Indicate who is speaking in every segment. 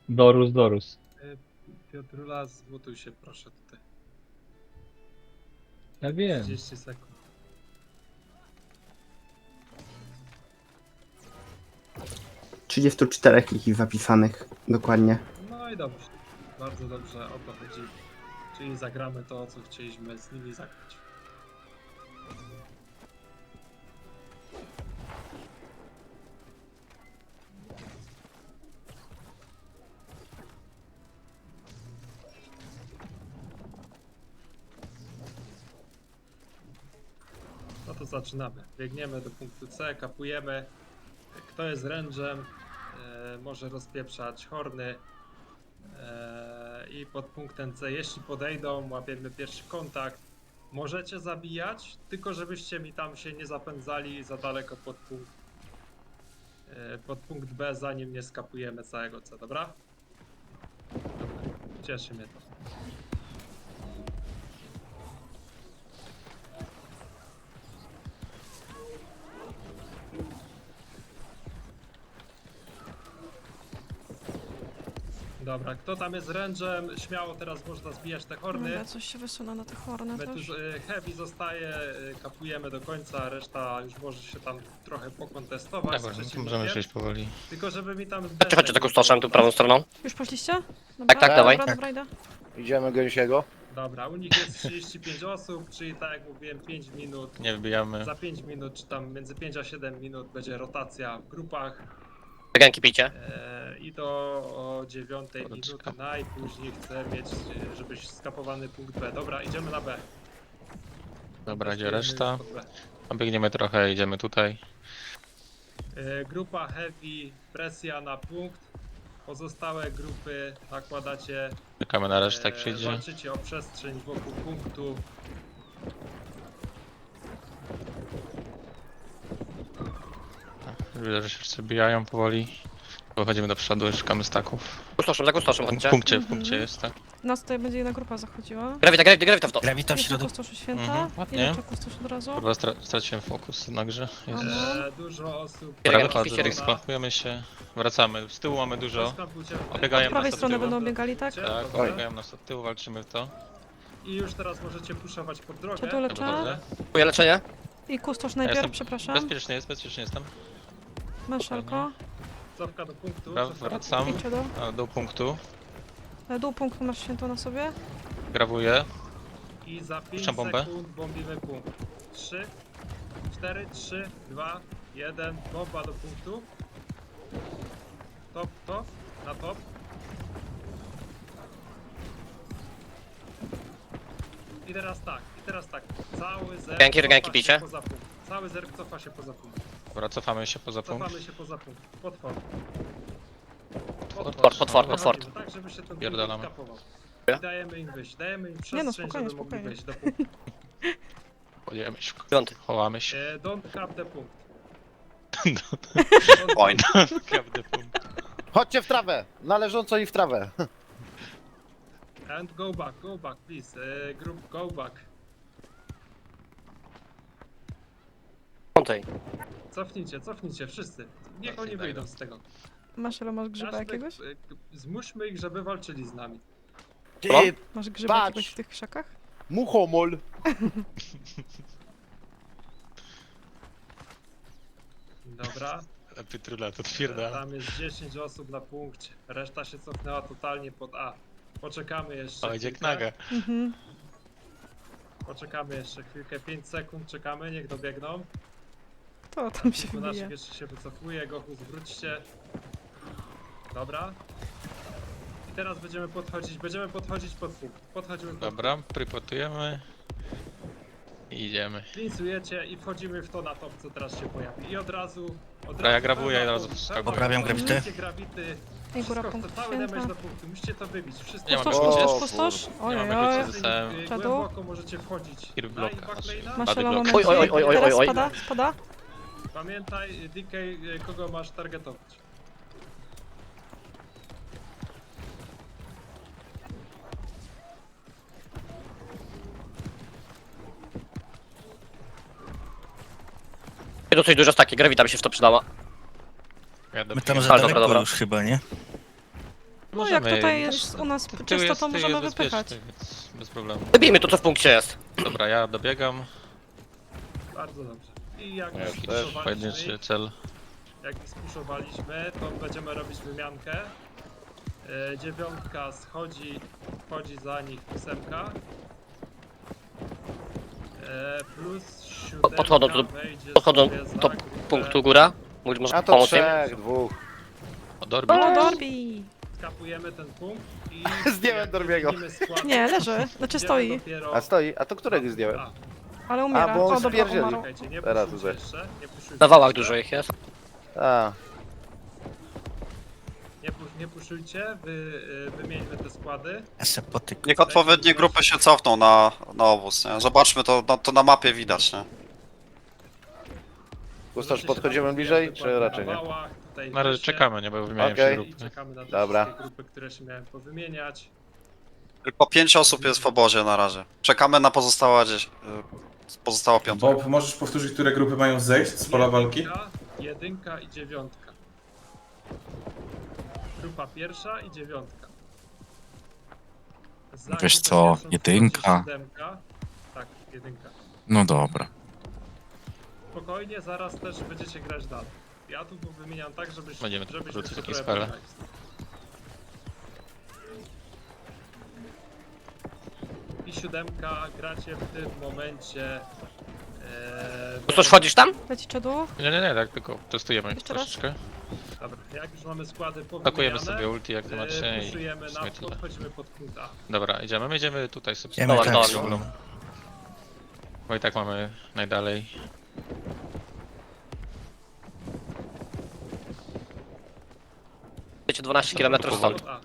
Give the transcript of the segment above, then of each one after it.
Speaker 1: Dorus, Dorus.
Speaker 2: Piotrula, zmutuj się proszę tutaj.
Speaker 1: Ja wiem.
Speaker 2: 30 sekund.
Speaker 3: ...34 ich zapisanych, dokładnie.
Speaker 2: No i dobrze. Bardzo dobrze, o to chodzi. Czyli zagramy to, co chcieliśmy z nimi zagrać. No to zaczynamy. Biegniemy do punktu C, kapujemy. Kto jest rężem, może rozpieprzać horny. I pod punktem C, jeśli podejdą, łapiemy pierwszy kontakt. Możecie zabijać, tylko żebyście mi tam się nie zapędzali za daleko pod punkt B, zanim nie skapujemy całego C, dobra? Dobra, cieszy mnie to. Dobra, kto tam jest rężem, śmiało teraz można zbijać te horny.
Speaker 4: Dobra, coś się wysunę na te horny
Speaker 2: My tu
Speaker 4: też.
Speaker 2: heavy zostaje, kapujemy do końca, reszta już może się tam trochę pokontestować z
Speaker 5: Dobra, no to
Speaker 2: przeciwnikiem.
Speaker 5: możemy przejść powoli.
Speaker 2: Tylko żeby mi tam...
Speaker 6: Chodźcie taką stoszem tu prawą stroną.
Speaker 4: Już poszliście? Dobra,
Speaker 6: tak, dawaj.
Speaker 4: Dobra, idę.
Speaker 7: Idziemy gęsiego.
Speaker 2: Dobra, u nich jest 35 osób, czyli tak jak mówiłem 5 minut.
Speaker 5: Nie wbijamy.
Speaker 2: Za 5 minut, czy tam między 5 a 7 minut będzie rotacja w grupach.
Speaker 6: Gęki pijcie.
Speaker 2: I do o 9 minuty
Speaker 5: Poczekam.
Speaker 2: najpóźniej chcę mieć, żebyś skapowany punkt B. Dobra, idziemy na B.
Speaker 5: Dobra, gdzie
Speaker 2: Testujemy
Speaker 5: reszta?
Speaker 2: już pod B.
Speaker 5: Obiegniemy trochę, idziemy tutaj.
Speaker 2: Grupa heavy, presja na punkt. Pozostałe grupy nakładacie.
Speaker 5: Czekamy na resztę, jak przyjdzie.
Speaker 2: Walczycie o przestrzeń wokół punktu.
Speaker 5: Widzę, że się wszyscy bijają powoli. Wychodzimy do przodu, szukamy staków.
Speaker 6: Kustoszem, za kustoszem
Speaker 5: W
Speaker 6: chodźcie.
Speaker 5: punkcie, w punkcie jest, tak?
Speaker 4: Nas tutaj będzie jedna grupa zachodziła.
Speaker 6: Grawita w to.
Speaker 8: Grawita w
Speaker 4: Jeszcze
Speaker 8: środku.
Speaker 4: kustoszu święta.
Speaker 5: Mhm, ładnie.
Speaker 4: Ile kustosz od razu?
Speaker 5: Kurwa, straciłem fokus na grze. Jest.
Speaker 2: Dużo osób.
Speaker 5: Dobra,
Speaker 6: Gęki
Speaker 5: wychodzę,
Speaker 6: pijcie.
Speaker 5: skłapujemy się. Wracamy. Z tyłu mamy dużo.
Speaker 2: Rozkampujcie.
Speaker 5: Obiegają
Speaker 4: Z prawej
Speaker 5: nas od
Speaker 4: strony
Speaker 5: tyłu.
Speaker 4: będą biegali, tak?
Speaker 5: Tak,
Speaker 2: Dobra.
Speaker 5: obiegają nas od tyłu, walczymy w to.
Speaker 2: I już teraz możecie puszować pod drogę.
Speaker 4: Cię tu leczę.
Speaker 5: Wychodzę.
Speaker 6: Dziękuję, leczenie.
Speaker 4: I kustosz
Speaker 5: Ja
Speaker 4: najpierw,
Speaker 5: jestem
Speaker 4: przepraszam.
Speaker 5: bezpiecznie jestem.
Speaker 4: Męszelko.
Speaker 2: Cofka do punktu.
Speaker 5: Dobra,
Speaker 2: cofka do
Speaker 5: wracam.
Speaker 4: Idźcie do.
Speaker 5: Do punktu.
Speaker 4: Dół punktu masz święto na sobie.
Speaker 5: Grawuję.
Speaker 2: punktu. I za 5
Speaker 5: Puszczam bombę.
Speaker 2: sekund bombimy punkt. 3, 4, 3, 2, 1. Bomba do punktu. Top, na top. I teraz tak. Cały zerk
Speaker 6: Gęki,
Speaker 2: cofa
Speaker 6: gęki
Speaker 2: się
Speaker 6: picie.
Speaker 2: poza punkt. Cały zerk cofa się poza punkt.
Speaker 5: Dobra, cofamy się poza punkt.
Speaker 2: Cofamy się poza punkt. Pod fort.
Speaker 6: Pod fort.
Speaker 2: Tak, żeby się ten
Speaker 5: Pierdalamy.
Speaker 2: punkt kapował. I dajemy im wyjść. Dajemy im
Speaker 4: Nie
Speaker 2: przestrzeń,
Speaker 4: no, spokojnie,
Speaker 2: żeby mogli
Speaker 4: spokojnie.
Speaker 2: wejść do punktu.
Speaker 5: Podjemy się.
Speaker 6: Piąty.
Speaker 5: Chowamy się.
Speaker 2: Don't cap the punkt.
Speaker 6: Oj.
Speaker 5: Prawdy punkt.
Speaker 7: Chodźcie w trawę! Należąco i w trawę.
Speaker 2: And go back, please. Group, go back.
Speaker 6: Piątej.
Speaker 2: Cofnijcie, wszyscy. Niech
Speaker 5: Cofnij,
Speaker 2: oni
Speaker 5: daj
Speaker 2: wyjdą
Speaker 5: go.
Speaker 2: z tego.
Speaker 4: Masz ile masz grzyba
Speaker 2: Każdy,
Speaker 4: jakiegoś?
Speaker 2: Zmuśmy ich, żeby walczyli z nami.
Speaker 7: Ty,
Speaker 6: Co?
Speaker 4: Masz grzyba
Speaker 7: Patrz.
Speaker 4: jakiegoś w tych krzakach?
Speaker 7: muchomol.
Speaker 2: Dobra.
Speaker 5: Pytrula to twierda.
Speaker 2: Tam jest 10 osób na punkcie. Reszta się cofnęła totalnie pod A. Poczekamy jeszcze
Speaker 5: O, idzie
Speaker 2: chwilkę.
Speaker 5: knaga.
Speaker 4: Mhm.
Speaker 2: Poczekamy jeszcze chwilkę, 5 sekund czekamy, niech dobiegną.
Speaker 4: To tam się
Speaker 2: Tu nasz
Speaker 4: wybije.
Speaker 2: pierwszy się wycofuje, Gochu zwróćcie. Dobra. I teraz będziemy podchodzić pod punkt. Podchodzimy pod
Speaker 5: Dobra, pripotujemy. I idziemy.
Speaker 2: Klincujecie i wchodzimy w to na top, co teraz się pojawi. I od razu
Speaker 5: ja grawuję,
Speaker 2: pełna
Speaker 5: od razu
Speaker 2: punkt,
Speaker 5: wskakuję.
Speaker 2: pełna
Speaker 8: Poprawiam
Speaker 2: punkt,
Speaker 8: grawity.
Speaker 2: musicie grawity.
Speaker 4: Ej, góra
Speaker 2: Wszystko,
Speaker 4: punkt
Speaker 2: cały damage
Speaker 4: święta.
Speaker 2: do punktu, musicie to wybić. Wszystko.
Speaker 5: Nie mam
Speaker 4: Kustosz,
Speaker 5: Mamy
Speaker 4: kustosz,
Speaker 7: kustosz.
Speaker 4: kustosz?
Speaker 5: Nie mamy
Speaker 4: Ojej,
Speaker 5: wiecie, zostałem.
Speaker 4: Czadu?
Speaker 2: Głęboko możecie wchodzić.
Speaker 5: Kill
Speaker 2: Na
Speaker 5: bloka.
Speaker 2: backlane'a.
Speaker 4: Masz
Speaker 5: Bady
Speaker 4: elo
Speaker 5: block.
Speaker 4: momencie.
Speaker 6: Oj.
Speaker 4: Teraz
Speaker 6: Oj.
Speaker 4: spada?
Speaker 2: Pamiętaj, DK, kogo masz targetować.
Speaker 6: Dosyć duże staki, grawita by się w to przydała.
Speaker 5: Ja
Speaker 8: My tam za
Speaker 6: Ale
Speaker 8: daleko
Speaker 6: dobra.
Speaker 8: już chyba, nie?
Speaker 4: No jak tutaj
Speaker 5: też-
Speaker 4: jest u nas
Speaker 5: tył
Speaker 4: czysto,
Speaker 5: jest-
Speaker 4: to
Speaker 5: tył
Speaker 4: możemy
Speaker 5: jest
Speaker 4: wypychać.
Speaker 5: bezpieczny, więc bez problemu.
Speaker 6: Wybijmy to, co w punkcie jest.
Speaker 5: Dobra, ja dobiegam.
Speaker 2: Bardzo dobrze. I jak
Speaker 7: Ja
Speaker 2: już
Speaker 7: też.
Speaker 2: spuszowaliśmy,
Speaker 5: Pojedynczy cel.
Speaker 2: jak spuszowaliśmy, to będziemy robić wymiankę. Dziewiątka wchodzi za nich ósemka. Plus siódemka
Speaker 6: podchodzą do punktu góra. Może
Speaker 7: A to
Speaker 6: pomóc im.
Speaker 7: trzech, dwóch.
Speaker 5: O, Dorbi.
Speaker 4: O, Dorbi!
Speaker 2: Skapujemy ten punkt i...
Speaker 7: Zdjąłem
Speaker 2: jak
Speaker 7: Dorbiego.
Speaker 2: wymienimy skład,
Speaker 4: Nie, leży. Znaczy
Speaker 2: idziemy
Speaker 4: stoi,
Speaker 2: dopiero-
Speaker 7: A stoi, a to którego zdjąłem?
Speaker 2: A,
Speaker 4: ale umiera.
Speaker 7: bo on
Speaker 4: O, dobra,
Speaker 7: spierdzieli.
Speaker 4: umarł.
Speaker 2: czekajcie, nie
Speaker 7: Teraz
Speaker 2: puszujcie
Speaker 7: tutaj.
Speaker 2: jeszcze. Nie puszujcie
Speaker 6: Na wałach
Speaker 2: jeszcze.
Speaker 6: dużo ich jest.
Speaker 7: A,
Speaker 2: Nie puszujcie, wymieńmy te składy.
Speaker 1: Niech odpowiednie grupy się cofną na obóz, nie? Zobaczmy to na mapie widać, nie?
Speaker 7: Gustasz,
Speaker 2: Możecie się
Speaker 7: podchodzimy
Speaker 2: tam
Speaker 7: bliżej,
Speaker 2: dokładnie
Speaker 7: czy raczej
Speaker 2: na
Speaker 7: nie?
Speaker 2: wałach, tutaj
Speaker 5: Na razie
Speaker 2: wyższe.
Speaker 5: czekamy, nie? Bo wymieniam
Speaker 7: Okej.
Speaker 5: się
Speaker 2: I
Speaker 5: grupy.
Speaker 2: czekamy na te
Speaker 7: Dobra.
Speaker 2: wszystkie grupy, które się miałem powymieniać.
Speaker 1: Tylko 5 osób jest w obozie na razie. Czekamy na pozostała piątka.
Speaker 8: Bob, możesz powtórzyć, które grupy mają zejść z pola walki?
Speaker 2: Jedynka i dziewiątka. Grupa pierwsza i dziewiątka. Za
Speaker 9: Wiesz
Speaker 2: grupę
Speaker 9: co,
Speaker 2: pierwszą
Speaker 9: jedynka?
Speaker 2: wchodzi siódemka. Tak, jedynka.
Speaker 9: No dobra.
Speaker 2: Spokojnie, zaraz też będziecie grać dalej. Ja tu wymieniam tak,
Speaker 5: Będziemy
Speaker 2: żebyśmy
Speaker 5: wrócić
Speaker 2: się
Speaker 5: takie
Speaker 2: trochę
Speaker 5: spele.
Speaker 2: poznali. I siódemka gracie w tym momencie.
Speaker 6: Gustasz, wchodzisz tam?
Speaker 4: Leci czadu.
Speaker 5: Nie, tak tylko testujemy
Speaker 4: Jeszcze raz?
Speaker 5: troszeczkę.
Speaker 2: Dobra, jak już mamy składy
Speaker 5: Pakujemy
Speaker 2: powymieniane,
Speaker 5: sobie ulti jak zobaczycie i
Speaker 2: puszujemy
Speaker 5: w
Speaker 2: na
Speaker 5: sumie tyle.
Speaker 2: podchodzimy pod punkt A.
Speaker 5: Dobra, idziemy. My idziemy tutaj sobie.
Speaker 9: Idziemy
Speaker 6: Dobra,
Speaker 9: tak,
Speaker 6: dobra.
Speaker 9: no.
Speaker 5: Bo i tak mamy najdalej.
Speaker 6: Wiecie, 12 km stąd.
Speaker 2: A,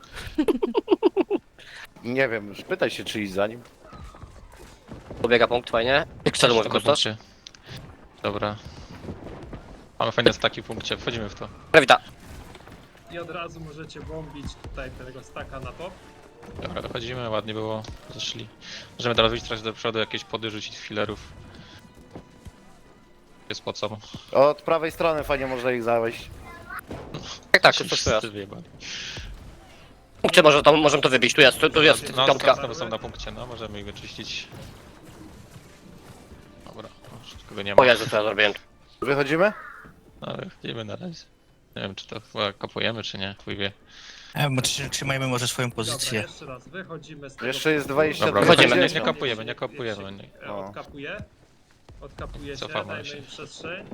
Speaker 7: Nie wiem, już pytaj się czy iść za nim.
Speaker 6: Pobiega punkt, fajnie. Jak celu mówi
Speaker 5: Na
Speaker 6: Gustasz?
Speaker 5: punkcie. Dobra. Mamy fajne staki w punkcie, wchodzimy w to.
Speaker 6: Grawita.
Speaker 2: I od razu możecie bombić tutaj tego staka na top.
Speaker 5: Dobra, dochodzimy, ładnie było. Zeszli. Możemy teraz wyjść trochę do przodu, jakieś pody rzucić filerów. Jest po co?
Speaker 7: Od prawej strony fajnie można ich zawieść.
Speaker 6: Tak,
Speaker 5: Się
Speaker 6: Gustasz, tu
Speaker 5: wszyscy
Speaker 6: jest.
Speaker 5: wyjebali.
Speaker 6: W punkcie możemy to wybić, tu jest
Speaker 5: No,
Speaker 6: piątka.
Speaker 5: znowu są na punkcie, no możemy ich wyczyścić. Dobra, już nikogo nie ma.
Speaker 6: O Jezu, co ja zrobiłem.
Speaker 7: Wychodzimy?
Speaker 5: No, ale idziemy na razie. Nie wiem, czy to chyba kapujemy, czy nie, chuj wie.
Speaker 9: Trzymajmy może swoją
Speaker 2: Dobra,
Speaker 9: pozycję.
Speaker 2: jeszcze raz, wychodzimy z tego
Speaker 7: Jeszcze jest
Speaker 2: punktu.
Speaker 7: 22.
Speaker 5: Dobra,
Speaker 6: Wychodzimy.
Speaker 5: nie kapujemy, nie kapujemy.
Speaker 7: O.
Speaker 2: Odkapujecie,
Speaker 5: Cofamy
Speaker 2: dajmy
Speaker 5: się.
Speaker 2: im przestrzeń.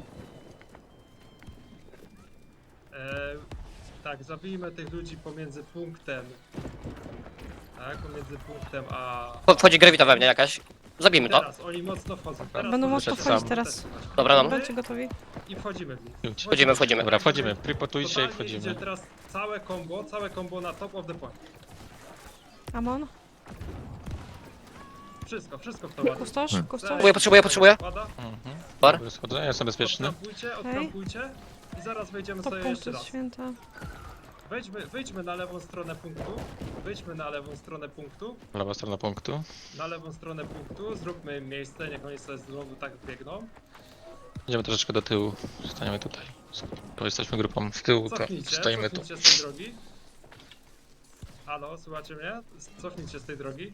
Speaker 2: Tak, zabijmy tych ludzi pomiędzy punktem. Tak, pomiędzy punktem a...
Speaker 6: Wchodzi Grawita we mnie jakaś. Zabijmy to.
Speaker 2: Teraz oni mocno wchodzą. Teraz
Speaker 4: Będą
Speaker 2: możecie
Speaker 4: mocno
Speaker 5: sam.
Speaker 4: wchodzić teraz.
Speaker 2: testować.
Speaker 6: Dobra, no.
Speaker 4: Będziecie gotowi?
Speaker 2: I wchodzimy w nich.
Speaker 5: Idź.
Speaker 6: Wchodzimy.
Speaker 5: Dobra, wchodzimy, pripotujcie i
Speaker 2: Totalnie
Speaker 5: wchodzimy.
Speaker 2: idzie teraz całe combo na top of the point.
Speaker 4: Amon?
Speaker 2: Wszystko w to ładnie.
Speaker 4: Kustosz? Kustosz?
Speaker 6: Potrzebuję.
Speaker 2: Pada.
Speaker 5: Mhm.
Speaker 6: Bar?
Speaker 5: Dobra, schodzę, ja jestem bezpieczny.
Speaker 2: Odkampujcie i zaraz wejdziemy
Speaker 4: Top
Speaker 2: sobie
Speaker 4: punktu
Speaker 2: jeszcze raz.
Speaker 4: święta.
Speaker 2: Wyjdźmy na lewą stronę punktu. Wyjdźmy na lewą stronę punktu.
Speaker 5: Lewa strona punktu.
Speaker 2: Na lewą stronę punktu. Zróbmy im miejsce, niech oni sobie znowu tak biegną.
Speaker 5: Idziemy troszeczkę do tyłu. Staniemy tutaj. Bo jesteśmy grupą z tyłu, to stoimy tu.
Speaker 2: Cofnijcie z tej drogi. Halo, słuchacie mnie? Cofnijcie z tej drogi.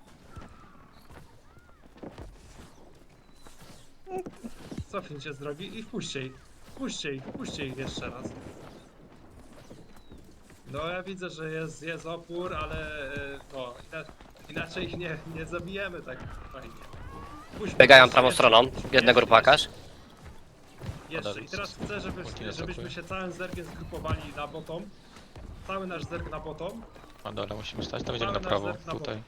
Speaker 2: Cofnijcie z drogi i wpuśćcie ich. Wpuśćcie ich jeszcze raz. No ja widzę, że jest opór, ale no inaczej ich nie zabijemy tak fajnie.
Speaker 6: Biegają prawą stroną. Jedna grupa jakaś.
Speaker 2: Jeszcze i teraz chcę, żebyśmy się całym zergiem zgrupowali na bottom. Cały nasz zerg na bottom.
Speaker 5: Na dole musimy stać, tam idziemy na
Speaker 2: Cały
Speaker 5: prawo,
Speaker 2: nasz zerk na
Speaker 5: tutaj.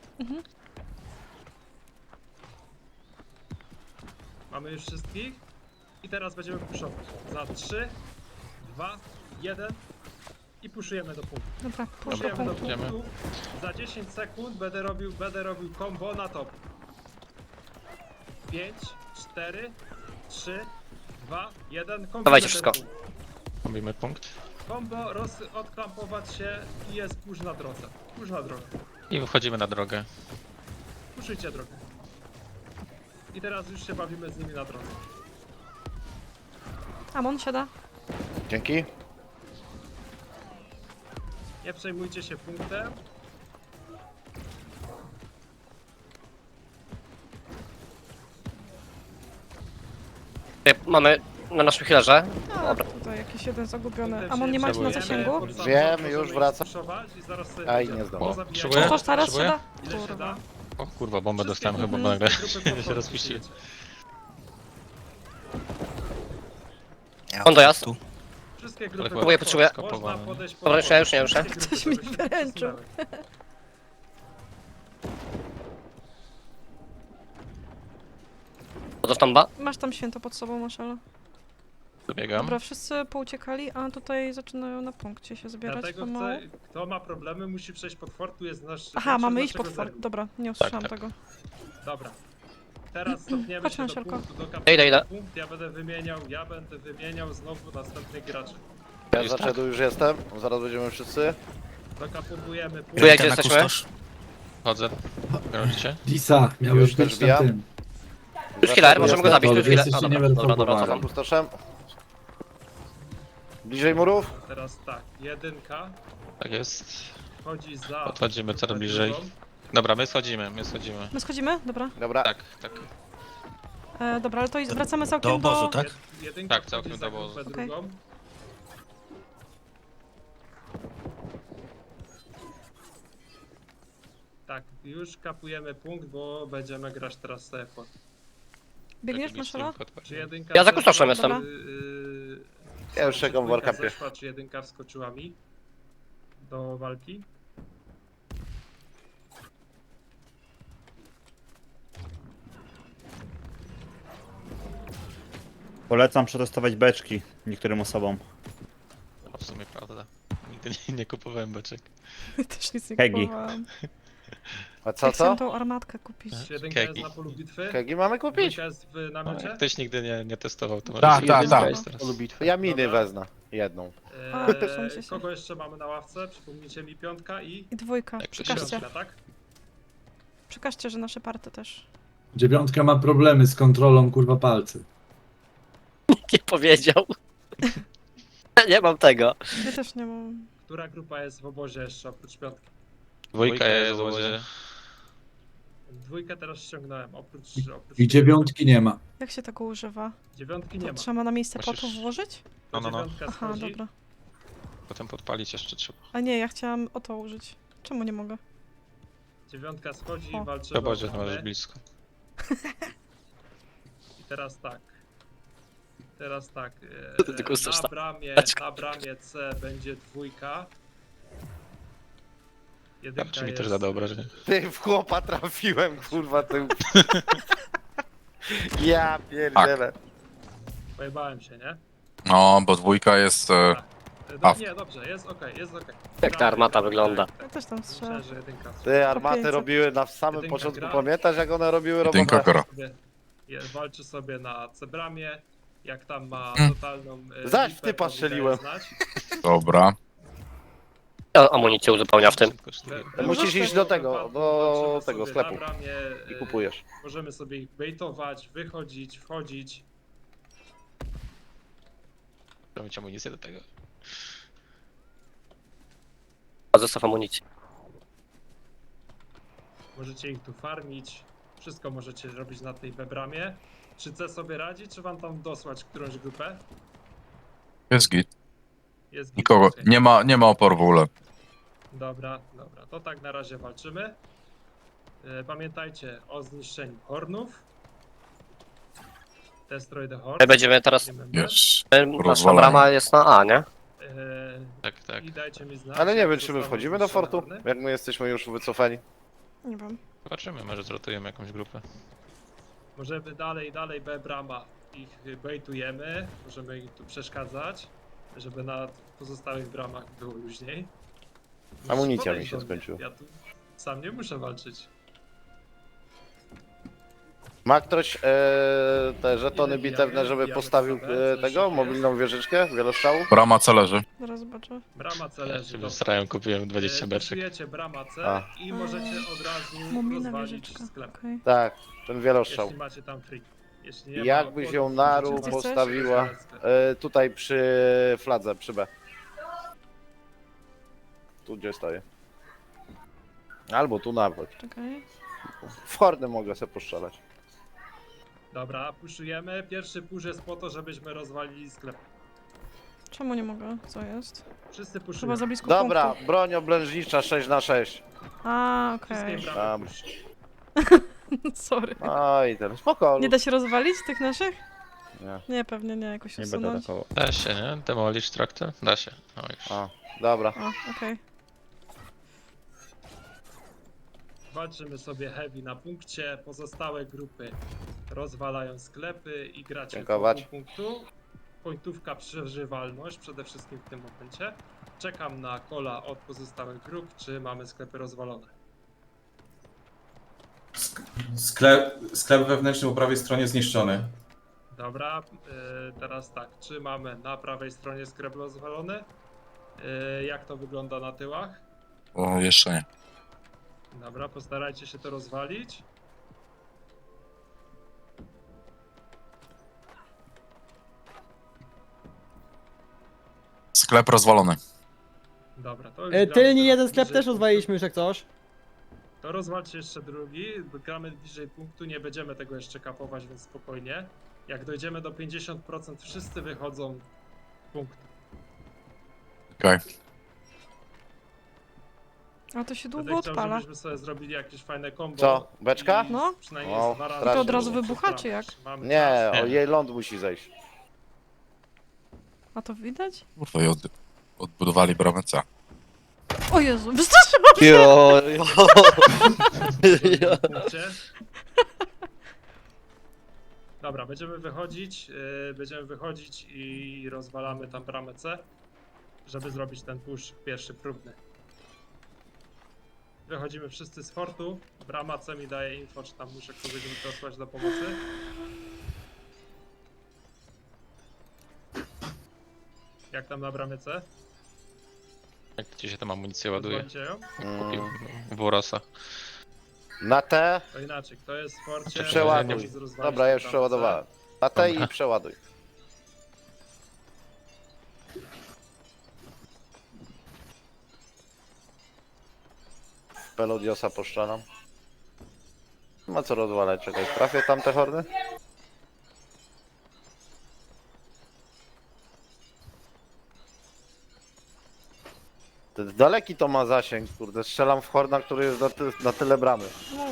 Speaker 2: Mamy już wszystkich. I teraz będziemy puszować. Za 3, 2, 1 i puszujemy do punktu.
Speaker 4: Dobra, pójdź do
Speaker 2: Puszujemy do
Speaker 4: punktu.
Speaker 5: Idziemy.
Speaker 2: punktu. Za 10 sekund będę robił combo na top. 5, 4, 3, 2, 1.
Speaker 6: Dawajcie wszystko.
Speaker 5: Robimy punkt.
Speaker 2: Combo, odklampować się i jest push na drodze. Push na drogę.
Speaker 5: I wychodzimy na drogę.
Speaker 2: Puszujcie drogę. I teraz już się bawimy z nimi na drodze.
Speaker 4: Amon siada.
Speaker 7: Dzięki.
Speaker 2: Nie przejmujcie się punktem.
Speaker 6: Mamy na naszym healerze.
Speaker 4: A, tutaj jakiś jeden zagubiony.
Speaker 2: Punktem
Speaker 4: Amon, nie
Speaker 2: się
Speaker 4: macie na
Speaker 5: przejmujemy.
Speaker 4: zasięgu?
Speaker 2: Pod sam
Speaker 7: Wiem,
Speaker 2: możemy
Speaker 7: już
Speaker 2: ich
Speaker 7: wracam.
Speaker 2: spuszować I zaraz sobie
Speaker 7: Aj,
Speaker 2: będziemy.
Speaker 7: nie zdążę.
Speaker 2: Pozabijajcie.
Speaker 5: Potrzebuję?
Speaker 4: Coś teraz się
Speaker 5: Potrzebuję?
Speaker 4: da?
Speaker 2: Ile się
Speaker 4: Kurwa.
Speaker 2: da?
Speaker 5: O kurwa, bombę
Speaker 2: Wszystkie
Speaker 5: dostałem chyba
Speaker 2: grupy
Speaker 5: nagle.
Speaker 2: komfortu
Speaker 5: się rozpuściłem.
Speaker 2: przyjęcie.
Speaker 6: On dojazd.
Speaker 9: Tu.
Speaker 2: Wszystkie grupy
Speaker 5: Próbuję,
Speaker 6: potrzebuję.
Speaker 2: Można podejść pod
Speaker 6: Dobra, już nie, już nie, już nie.
Speaker 2: wszystkie grupy,
Speaker 4: Ktoś mi
Speaker 2: żeby się
Speaker 4: wręczył.
Speaker 2: przesunęły.
Speaker 6: Do sztamba.
Speaker 4: Masz tam święto pod sobą, Maszela.
Speaker 5: Dobiegam.
Speaker 4: Dobra, wszyscy pouciekali, a tutaj zaczynają na punkcie się zbierać
Speaker 2: Dlatego
Speaker 4: pomału.
Speaker 2: chcę, kto ma problemy, musi przejść pod fort, tu jest nasz...
Speaker 4: Aha,
Speaker 2: większość
Speaker 4: mamy iść
Speaker 2: naszego
Speaker 4: pod fort.
Speaker 2: zergu.
Speaker 4: Dobra, nie usłyszałam
Speaker 5: tak.
Speaker 4: tego.
Speaker 2: Dobra. Teraz stopniemy
Speaker 4: Chodź
Speaker 2: się
Speaker 4: na
Speaker 2: do
Speaker 4: siarko.
Speaker 2: punktu, do
Speaker 6: Idę.
Speaker 2: punkt, ja będę wymieniał znowu następnych graczy.
Speaker 7: Ja
Speaker 5: Jest
Speaker 7: za już jestem, zaraz będziemy wszyscy.
Speaker 2: Dokapowujemy punkt.
Speaker 6: Czuję, gdzie
Speaker 9: Na
Speaker 6: jesteśmy.
Speaker 9: kustosz.
Speaker 5: Chodzę. Grozicie?
Speaker 10: Lisa, miałeś
Speaker 7: Już też
Speaker 10: być
Speaker 7: wbijam.
Speaker 10: na tym.
Speaker 6: Już healer, możemy go zabić, tu
Speaker 10: Jesteście
Speaker 6: chwilę. A, dobra, dobra, dobra,
Speaker 10: niewerfowani.
Speaker 6: cofam.
Speaker 7: Pustoszem. Bliżej murów?
Speaker 2: Teraz tak, jedynka
Speaker 5: Tak jest.
Speaker 2: wchodzi za...
Speaker 5: Podchodzimy coraz
Speaker 2: za
Speaker 5: bliżej.
Speaker 2: drugą.
Speaker 5: Dobra, my schodzimy, my schodzimy.
Speaker 4: My schodzimy? Dobra.
Speaker 7: Dobra.
Speaker 5: Tak, tak.
Speaker 4: Dobra, ale to wracamy całkiem
Speaker 9: Do obozu, tak?
Speaker 2: Jedynka
Speaker 5: Tak,
Speaker 2: wchodzi
Speaker 5: całkiem
Speaker 2: za
Speaker 5: do obozu.
Speaker 2: grupę
Speaker 4: Okej.
Speaker 2: drugą. Tak, już kapujemy punkt, bo będziemy grać teraz Sefort.
Speaker 4: Biegniesz,
Speaker 5: Taki
Speaker 4: Maszela?
Speaker 5: stream podpalił.
Speaker 2: Czy jedynka...
Speaker 6: Ja za kustoszem
Speaker 2: zeszła,
Speaker 6: jestem.
Speaker 7: Ja już
Speaker 2: czy
Speaker 7: czekam w
Speaker 2: dwójka
Speaker 7: warkapie.
Speaker 2: zeszła, czy jedynka wskoczyła mi do walki?
Speaker 11: Polecam przetestować beczki niektórym osobom.
Speaker 5: No, w sumie prawda. Nigdy nie kupowałem beczek.
Speaker 4: Też nic nie
Speaker 11: Kegi.
Speaker 4: kupowałam.
Speaker 7: A co,
Speaker 4: Ja chciałam
Speaker 7: co?
Speaker 4: tą armatkę kupić.
Speaker 2: Czy jedynka jest
Speaker 5: Kegi.
Speaker 2: na polu bitwy?
Speaker 7: Kegi mamy kupić?
Speaker 2: Dwójka jest w
Speaker 5: No,
Speaker 2: namiocie?
Speaker 5: jak ktoś nigdy nie testował, to może
Speaker 9: Tak,
Speaker 5: się
Speaker 9: tak,
Speaker 5: jedynka
Speaker 9: tak.
Speaker 5: jest teraz.
Speaker 7: Ja miny
Speaker 2: Dobra.
Speaker 7: wezmę. Jedną.
Speaker 4: A, przesuńcie się.
Speaker 2: Kogo jeszcze mamy na ławce? Przypomnijcie mi piątka i...
Speaker 4: I dwójka.
Speaker 5: Tak,
Speaker 4: Przekażcie.
Speaker 2: Piątka, tak?
Speaker 4: Przekażcie, że nasze party też.
Speaker 10: Dziewiątka ma problemy z kontrolą kurwa palcy.
Speaker 6: Nie powiedział. Nie mam tego.
Speaker 4: Ja też nie mam.
Speaker 2: Która grupa jest w obozie jeszcze oprócz piątki?
Speaker 5: Dwójka jest w obozie.
Speaker 2: Dwójkę teraz ściągnąłem, oprócz
Speaker 10: I dziewiątki nie ma.
Speaker 4: Jak się tego używa?
Speaker 2: dziewiątki nie
Speaker 4: To
Speaker 2: ma.
Speaker 4: trzeba na miejsce
Speaker 5: Musisz-
Speaker 4: potów włożyć?
Speaker 2: To
Speaker 5: No.
Speaker 2: dziewiątka
Speaker 4: Aha,
Speaker 2: schodzi.
Speaker 4: dobra.
Speaker 5: Potem podpalić jeszcze trzeba.
Speaker 4: A nie, ja chciałam o to użyć. Czemu nie mogę?
Speaker 2: Dziewiątka schodzi
Speaker 4: O.
Speaker 2: i walczy
Speaker 5: W obozie
Speaker 2: o
Speaker 5: to masz
Speaker 2: bramę.
Speaker 5: blisko.
Speaker 2: I teraz tak. Teraz tak.
Speaker 6: To ty tylko chcesz
Speaker 2: Na
Speaker 6: tak.
Speaker 2: bramie C będzie dwójka. Jedynka
Speaker 5: Czy mi
Speaker 2: jest,
Speaker 5: też zada obrażenie.
Speaker 7: Ty w chłopa trafiłem, kurwa, ty. Ja pierdzielę.
Speaker 2: Pojebałem się, nie?
Speaker 9: No, bo dwójka jest... A.
Speaker 2: Nie, dobrze, jest okej, jest okej.
Speaker 6: Jak ta armata wygląda.
Speaker 4: Ja też tam strzelam.
Speaker 2: Myślę, że jedynka.
Speaker 7: Ty armaty
Speaker 4: 500.
Speaker 7: robiły na samym
Speaker 2: Jedynka
Speaker 7: początku,
Speaker 2: gra.
Speaker 7: pamiętasz jak one robiły
Speaker 9: Jedynka
Speaker 7: robotę?
Speaker 9: gra.
Speaker 2: Walczy sobie na C-bramie. Jak tam ma
Speaker 9: Mm.
Speaker 2: totalną...
Speaker 7: Zaś w
Speaker 2: lipę,
Speaker 7: typa
Speaker 2: to mi daje
Speaker 7: strzeliłem.
Speaker 2: znać.
Speaker 9: Dobra.
Speaker 6: Ja amunicję uzupełnia w tym.
Speaker 5: Wszystko kosztuje.
Speaker 7: Musisz iść do tego,
Speaker 2: Wypadku
Speaker 7: do
Speaker 2: walczymy
Speaker 7: tego
Speaker 2: sobie
Speaker 7: sklepu.
Speaker 2: na bramie,
Speaker 7: I kupujesz.
Speaker 2: Możemy sobie ich baitować, wychodzić, wchodzić.
Speaker 5: Trzeba mieć amunicję do tego.
Speaker 6: A zestaw amunicji.
Speaker 2: Możecie ich tu farmić. Wszystko możecie robić na tej bramie. Czy C sobie radzi, czy wam tam dosłać którąś grupę?
Speaker 9: Jest git.
Speaker 2: Jest git,
Speaker 9: Nikogo.
Speaker 2: okej.
Speaker 9: Nie ma oporu w ogóle.
Speaker 2: Dobra. To tak na razie walczymy. Pamiętajcie o zniszczeniu hornów. Destroy the horn.
Speaker 6: My będziemy teraz...
Speaker 2: Remember.
Speaker 9: Jest.
Speaker 6: Nasza
Speaker 9: Rozwalenie.
Speaker 6: brama jest na A, nie?
Speaker 5: Tak, tak.
Speaker 2: I dajcie mi znać.
Speaker 7: Ale nie
Speaker 2: jak
Speaker 7: wiem, czy my
Speaker 2: zostaną
Speaker 7: wchodzimy do
Speaker 2: zniszczone
Speaker 7: fortu?
Speaker 2: horny.
Speaker 7: Jak my jesteśmy już wycofani.
Speaker 4: Nie wiem.
Speaker 5: Zobaczymy, może zrotujemy jakąś grupę.
Speaker 2: Możemy dalej B brama. Ich baitujemy. Możemy im tu przeszkadzać, żeby na pozostałych bramach było luźniej.
Speaker 7: Amunicja mi
Speaker 2: Podejdź
Speaker 7: się
Speaker 2: do mnie.
Speaker 7: skończyła.
Speaker 2: Ja tu sam nie muszę walczyć.
Speaker 7: Ma ktoś te żetony
Speaker 2: Ile
Speaker 7: bitewne,
Speaker 2: bijamy?
Speaker 7: żeby
Speaker 2: Bijamy
Speaker 7: postawił
Speaker 2: sobie, coś
Speaker 7: tego,
Speaker 2: jest.
Speaker 7: mobilną wieżyczkę, wielostrzałów?
Speaker 9: Brama C leży.
Speaker 4: Zaraz zobaczę.
Speaker 2: Brama C
Speaker 5: Ja
Speaker 2: leży.
Speaker 5: się
Speaker 2: dobra.
Speaker 5: wysrałem, kupiłem 20 beczek.
Speaker 2: Stosujecie brama C
Speaker 7: A.
Speaker 2: i możecie od razu
Speaker 4: Mumina
Speaker 2: rozwalić
Speaker 4: wieżyczka.
Speaker 2: sklep.
Speaker 4: Okej.
Speaker 7: Tak, ten wielostrzał.
Speaker 2: Jeśli macie tam free. Jeśli nie ma,
Speaker 7: Jakbyś ją naru
Speaker 4: Gdzie chcesz?
Speaker 7: postawiła tutaj przy fladze, przy B. Tu gdzie stoję. Albo tu nawet.
Speaker 4: Czekaj.
Speaker 7: W hordy mogę sobie postrzelać.
Speaker 2: Dobra, puszujemy. Pierwszy push jest po to, żebyśmy rozwalili sklep.
Speaker 4: Czemu nie mogę? Co jest?
Speaker 2: Wszyscy
Speaker 4: Chyba
Speaker 2: puszują.
Speaker 4: za blisko
Speaker 7: Dobra,
Speaker 4: punktu.
Speaker 7: broń oblężnicza 6x6.
Speaker 4: A,
Speaker 2: Wszystkie
Speaker 4: okej.
Speaker 2: bramy
Speaker 7: Tam.
Speaker 2: push.
Speaker 4: Sorry.
Speaker 7: No i teraz spoko.
Speaker 4: Nie da się rozwalić tych naszych?
Speaker 7: Nie.
Speaker 4: Nie, pewnie nie, jakoś
Speaker 11: Nie będę
Speaker 4: usunąć.
Speaker 11: atakował.
Speaker 5: Da się, nie? Demolish traktor? Da się. No już.
Speaker 7: A, dobra.
Speaker 4: O, okej.
Speaker 2: Walczymy sobie heavy na punkcie. Pozostałe grupy rozwalają sklepy i gracie
Speaker 7: Dziękować.
Speaker 2: po pół punktu. Pointówka przeżywalność przede wszystkim w tym momencie. Czekam na kola od pozostałych grup, czy mamy sklepy rozwalone.
Speaker 8: Sklep wewnętrzny po prawej stronie zniszczony.
Speaker 2: Dobra, teraz tak, czy mamy na prawej stronie sklep rozwalony? Jak to wygląda na tyłach?
Speaker 9: O, jeszcze nie.
Speaker 2: Dobra, postarajcie się to rozwalić.
Speaker 9: Sklep rozwalony.
Speaker 2: Dobra, to już gramy
Speaker 12: Tylni
Speaker 2: teraz
Speaker 12: jeden sklep
Speaker 2: bliżej
Speaker 12: też
Speaker 2: punktu.
Speaker 12: rozwaliliśmy już jak coś.
Speaker 2: To rozwalcie jeszcze drugi, gramy bliżej punktu, nie będziemy tego jeszcze kapować, więc spokojnie. Jak dojdziemy do 50%, wszyscy wychodzą z punktu.
Speaker 9: Okej.
Speaker 4: A to się
Speaker 2: Będę
Speaker 4: długo
Speaker 2: chciał,
Speaker 4: odpala.
Speaker 2: żebyśmy sobie zrobili jakieś fajne combo.
Speaker 7: Co, beczka?
Speaker 2: i
Speaker 4: No.
Speaker 2: Przynajmniej
Speaker 7: O,
Speaker 2: z dwa razy.
Speaker 7: I to od
Speaker 4: razu
Speaker 2: przez
Speaker 4: wybucha,
Speaker 2: bramę.
Speaker 4: czy jak?
Speaker 2: Mamy
Speaker 7: Nie,
Speaker 2: czas.
Speaker 7: o jej ląd musi zejść.
Speaker 4: A to widać?
Speaker 9: Kurwa, i odbudowali bramę C.
Speaker 4: O Jezu, wystraszyłam się!
Speaker 6: Jo, jo.
Speaker 2: W punkcie. Dobra, będziemy wychodzić i rozwalamy tam bramę C, żeby zrobić ten push pierwszy próbny. Wychodzimy wszyscy z fortu, brama C mi daje info, czy tam muszę kogoś wysłać do pomocy. Jak tam na bramie C?
Speaker 5: Jak gdzie się tam amunicję ładuje?
Speaker 2: Rozwalicie ją?
Speaker 5: Kupił Worosa.
Speaker 7: Na T
Speaker 2: To inaczej, kto jest w forcie?
Speaker 7: czy przeładuj.
Speaker 2: może rozwalić
Speaker 7: Dobra, ja już
Speaker 2: bramę C.
Speaker 7: przeładowałem. Na T
Speaker 5: Dobra.
Speaker 7: i przeładuj. Pelodiosa poszczalam. Nie ma co rozwalać, czekaj, trafię tamte hordy? Daleki to ma zasięg, kurde, strzelam w horda, który jest na tyle bramy.
Speaker 4: No.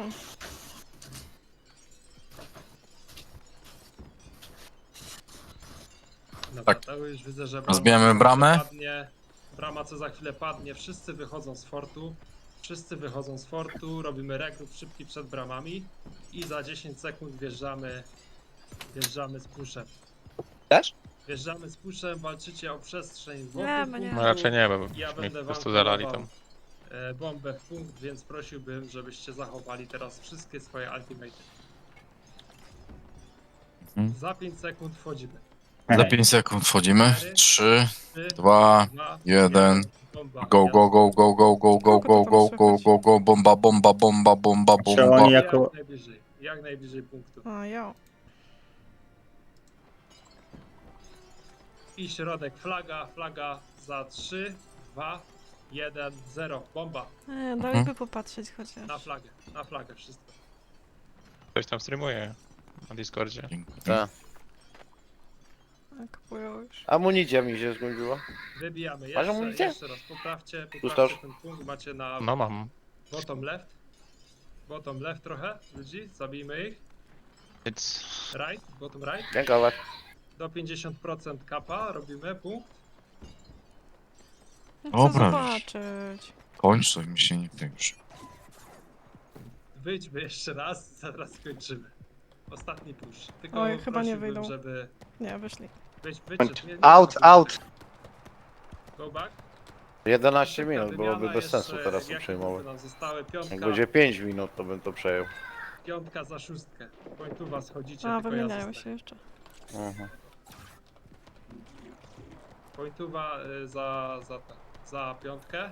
Speaker 2: Dobra,
Speaker 9: Tak.
Speaker 2: to już widzę, że
Speaker 9: Rozbijamy
Speaker 2: brama
Speaker 9: bramę.
Speaker 2: padnie. Brama co za chwilę padnie, wszyscy wychodzą z fortu. Wszyscy wychodzą z fortu, robimy rekrut szybki przed bramami i za 10 sekund wjeżdżamy z puszem.
Speaker 6: Też?
Speaker 2: Wjeżdżamy z puszem, walczycie o przestrzeń wokół
Speaker 4: Nie,
Speaker 2: punktu.
Speaker 4: nie.
Speaker 5: No raczej nie, bo
Speaker 2: Ja
Speaker 5: mi
Speaker 2: będę
Speaker 5: po
Speaker 2: wam
Speaker 5: prostu zalali
Speaker 2: kierował,
Speaker 5: tam.
Speaker 2: bombę w punkt, więc prosiłbym, żebyście zachowali teraz wszystkie swoje ultimaty.
Speaker 9: Mhm.
Speaker 2: Za 5 sekund wchodzimy.
Speaker 9: Za 5 sekund wchodzimy. 3,
Speaker 2: 3,
Speaker 9: 2, 1.
Speaker 2: bomba.
Speaker 9: Go, go, go, go, go, go, go, go, go, go, go, go, bomba, bomba, bomba, bomba,
Speaker 11: Czy
Speaker 9: bomba.
Speaker 11: oni jako...
Speaker 2: Jak najbliżej punktu.
Speaker 4: A, jo.
Speaker 2: I środek flaga za 3, 2, 1, 0. Bomba.
Speaker 4: Dali by popatrzeć chociaż.
Speaker 2: Na flagę wszystko.
Speaker 5: Ktoś tam streamuje na Discordzie.
Speaker 7: Tak.
Speaker 4: Kupują już.
Speaker 7: Amunicja mi się skończyła.
Speaker 2: Wybijamy
Speaker 7: Masz
Speaker 2: jeszcze,
Speaker 7: amunicję?
Speaker 2: jeszcze raz. Poprawcie
Speaker 7: Gustaw?
Speaker 2: ten punkt. Macie na
Speaker 5: No mam.
Speaker 2: bottom left. Bottom left trochę ludzi. Zabijmy ich.
Speaker 5: It's...
Speaker 2: Right, bottom right.
Speaker 7: Dziękować.
Speaker 2: Do 50% kapa robimy punkt.
Speaker 4: Chcę
Speaker 9: Dobra, już.
Speaker 4: zobaczyć.
Speaker 9: Kończ, to mi się nie chce już.
Speaker 2: Wyjdźmy jeszcze raz, zaraz skończymy. Ostatni push. Tylko
Speaker 4: Oj, chyba nie
Speaker 2: prosiłbym,
Speaker 4: wyjdą.
Speaker 2: żeby...
Speaker 4: Nie, wyszli.
Speaker 2: Wyjdźcie.
Speaker 3: Out, out.
Speaker 2: Go back.
Speaker 7: 11
Speaker 2: Szybka
Speaker 7: minut, byłoby
Speaker 2: wymiana
Speaker 7: bez sensu
Speaker 2: jeszcze,
Speaker 7: teraz to
Speaker 2: jakie
Speaker 7: przejmować.
Speaker 2: punkty nam zostały?
Speaker 7: Jak będzie 5 minut, to bym to przejął.
Speaker 2: Piątka za szóstkę. Pointuwa schodzicie,
Speaker 4: A,
Speaker 2: tylko
Speaker 4: wymieniają
Speaker 2: ja
Speaker 4: się jeszcze.
Speaker 7: Mhm.
Speaker 2: Pointuwa za piątkę.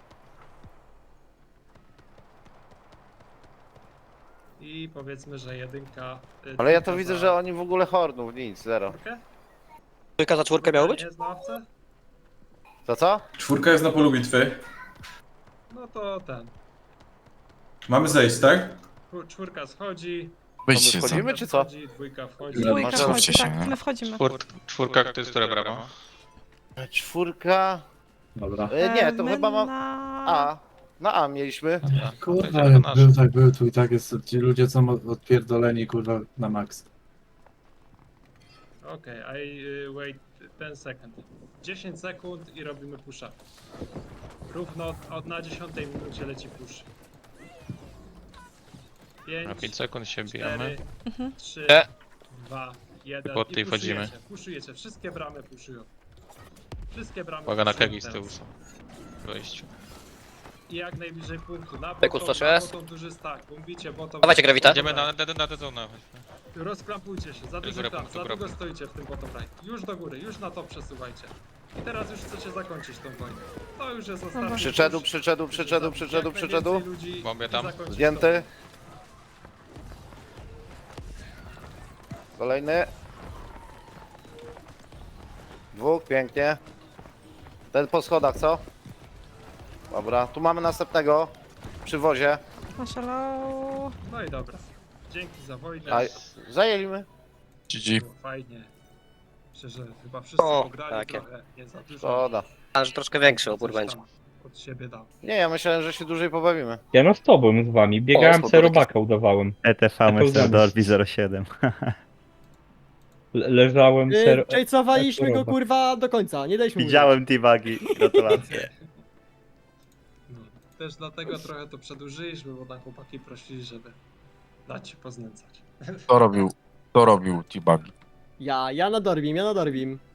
Speaker 2: I powiedzmy, że jedynka...
Speaker 7: Ale ja to
Speaker 2: trójka
Speaker 7: widzę,
Speaker 2: za
Speaker 7: że oni w ogóle hordów, nic, zero.
Speaker 2: czwórkę.
Speaker 6: Trójka za czwórkę miało być?
Speaker 2: Nie jest na ławce?
Speaker 7: To co?
Speaker 8: 4 jest na polu bitwy.
Speaker 2: No to ten.
Speaker 8: Mamy zejść, tak?
Speaker 2: Czwórka schodzi.
Speaker 9: Wyjdźcie
Speaker 7: To my
Speaker 9: za.
Speaker 7: wchodzimy, czy co?
Speaker 2: Wchodzi, dwójka wchodzi.
Speaker 4: Dwójka
Speaker 7: Może
Speaker 4: wchodzi,
Speaker 9: zróbcie się,
Speaker 4: tak,
Speaker 9: nie?
Speaker 4: my wchodzimy.
Speaker 5: Czwórka, to jest która brama?
Speaker 7: Czwórka.
Speaker 10: Dobra.
Speaker 7: Nie, to
Speaker 4: My
Speaker 7: chyba mam.
Speaker 4: na...
Speaker 7: A. Na A mieliśmy.
Speaker 10: Kurwa,
Speaker 5: Będzie to
Speaker 10: jak
Speaker 5: nasz.
Speaker 10: był, tak był, tu i tak jest, ci ludzie są odpierdoleni, kurwa, na maks.
Speaker 2: Okej, I wait 10 sekund. 10 sekund i robimy push-up. Równo na 10 minucie leci push.
Speaker 5: Na 5
Speaker 2: 5,
Speaker 5: sekund się bijemy.
Speaker 2: 4, 3,
Speaker 6: E.
Speaker 2: 2, 1
Speaker 5: Po tej
Speaker 2: i
Speaker 5: wchodzimy.
Speaker 2: puszujecie. Wszystkie bramy puszują. Wszystkie bramy
Speaker 5: Uwaga na
Speaker 2: puszują
Speaker 5: kegi z
Speaker 2: teraz.
Speaker 5: tyłu są. W wejściu.
Speaker 2: I jak najbliżej punktu. Na
Speaker 6: Peku,
Speaker 2: bottom,
Speaker 6: 106.
Speaker 2: na bottom duży stack. Bombicie bottom.
Speaker 6: Dawajcie grawita.
Speaker 5: Idziemy na D-zonę.
Speaker 2: Rozklampujcie się, za dużo
Speaker 5: górę
Speaker 2: klamp,
Speaker 5: punktu
Speaker 2: za długo
Speaker 5: robię.
Speaker 2: stoicie w tym bottom right. Już do góry, już na to przesuwajcie. I teraz już chcecie zakończyć tą wojnę. To już jest ostatni
Speaker 7: Przyczedu,
Speaker 2: push.
Speaker 7: przyczedu, przyczedu,
Speaker 2: Jak
Speaker 7: przyczedu,
Speaker 2: najwięcej
Speaker 7: przyczedu.
Speaker 2: ludzi
Speaker 5: Bombie
Speaker 2: i
Speaker 5: tam.
Speaker 2: zakończyć
Speaker 7: Zdjęty. Kolejny. Dwóch, pięknie. Ten po schodach, co? Dobra, tu mamy następnego. Przy wozie.
Speaker 4: Naszalał.
Speaker 2: tą. No i dobra. Dzięki za wojnę.
Speaker 7: A, zajęliśmy.
Speaker 9: GG.
Speaker 2: Było fajnie. Myślę, że chyba wszyscy
Speaker 6: O,
Speaker 2: pograli
Speaker 6: takie.
Speaker 2: trochę, nie za dużo.
Speaker 7: Szkoda.
Speaker 6: A, że troszkę większy
Speaker 2: Coś
Speaker 6: opór
Speaker 2: tam
Speaker 6: będzie.
Speaker 2: Od siebie dał.
Speaker 7: Nie, ja myślałem, że się dłużej pobawimy.
Speaker 11: Ja no z tobą, z wami. Biegałem,
Speaker 6: O,
Speaker 11: se robaka udawałem. ETF to Mr. zamysł. Dorby 07.
Speaker 7: Leżałem ser...
Speaker 11: Czajcowaliśmy go,
Speaker 2: kurwa do końca, nie daliśmy
Speaker 11: Widziałem T-Bagi. Gratulacje.
Speaker 2: No, też dlatego trochę to przedłużyliśmy, bo tam chłopaki prosili, żeby dać się poznęcać.
Speaker 9: To robił T-Bug.
Speaker 2: Ja na Dorbim.